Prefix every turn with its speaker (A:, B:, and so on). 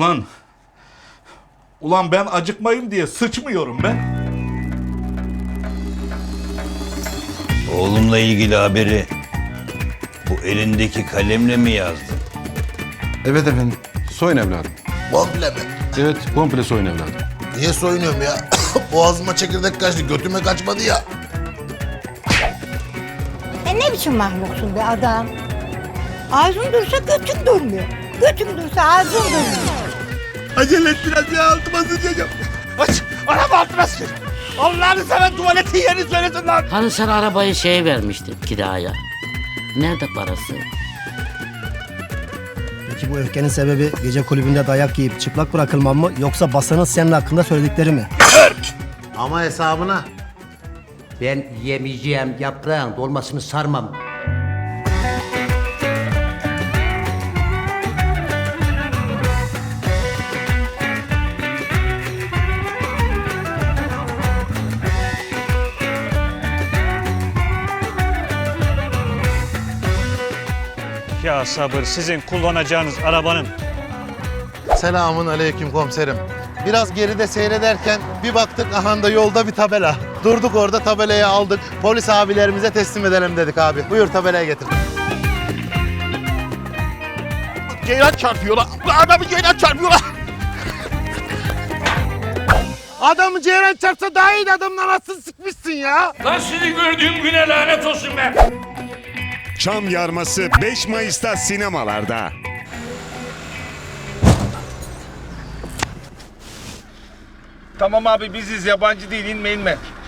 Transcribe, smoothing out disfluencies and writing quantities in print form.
A: Ulan ben acıkmayayım diye sıçmıyorum ben.
B: Oğlumla ilgili haberi bu elindeki kalemle mi yazdın?
C: Evet efendim. Soyun evladım.
D: Komple mi?
C: Evet, komple soyun evladım.
D: Niye soyunuyorum ya? Boğazıma çekirdek kaçtı, götüme kaçmadı ya.
E: Ne biçim mahluksun be adam? Ağzın dursa götün durmuyor. Götün dursa ağzın durmuyor.
A: Acele et biraz ya, altıma sıçacağım. Aç, araba altıma sıç. Allah'ını seven tuvaletin yerini söylesin lan.
F: Hani sen arabayı şeye vermiştin kiraya. Nerede parası?
G: Peki bu öfkenin sebebi gece kulübünde dayak yiyip çıplak bırakılman mı yoksa basanın senin hakkında söyledikleri mi?
H: Ama hesabına. Ben yemeyeceğim yaprağın dolmasını sarmam.
I: Ya sabır, sizin kullanacağınız arabanın.
D: Selamun aleyküm komiserim. Biraz geride seyrederken bir baktık aha da yolda bir tabela. Durduk orada, tabelayı aldık. Polis abilerimize teslim edelim dedik abi. Buyur tabelayı getir.
A: Ceylan çarpıyorlar. Adamı ceylan çarpıyorlar. Adamı ceylan çarpsa daha iyi, adamın anasını sıkmışsın ya.
I: Lan sizi gördüğüm güne lanet olsun be.
J: Çam Yarması 5 Mayıs'ta sinemalarda.
A: Tamam abi, biziz, yabancı değil, inme.